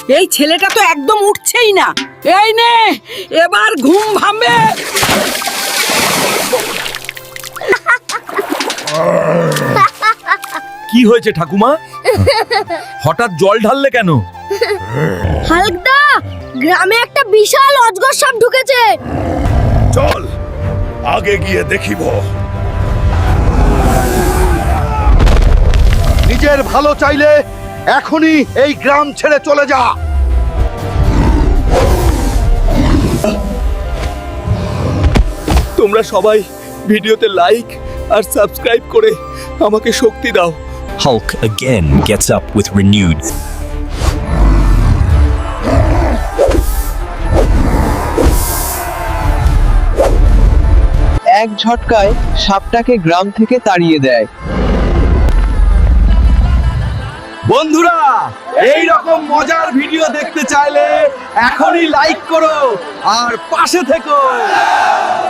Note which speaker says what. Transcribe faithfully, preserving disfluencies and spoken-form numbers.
Speaker 1: এই ছেলেটা তো একদম উঠছেই না। এই নে, এবার ঘুম ভাঙবে।
Speaker 2: কি হয়েছে ঠাকুমা? হঠাৎ জল ঢাললে কেন?
Speaker 3: হালকদা, গ্রামে একটা বিশাল অজগর সাপ ঢুকেছে।
Speaker 4: চল আগে গিয়ে দেখিব। নিজের ভালো চাইলে এখনই এই গ্রাম ছেড়ে চলে যা।
Speaker 2: তোমরা সবাই ভিডিওতে লাইক আর সাবস্ক্রাইব করে আমাকে শক্তি দাও।
Speaker 5: Hulk again gets up with renewed.
Speaker 6: এক ঝটকায় সাপটাকে গ্রাম থেকে তাড়িয়ে দেয়।
Speaker 2: বন্ধুরা, এই রকম মজার ভিডিও দেখতে চাইলে এখনই লাইক করো আর পাশে থেকো।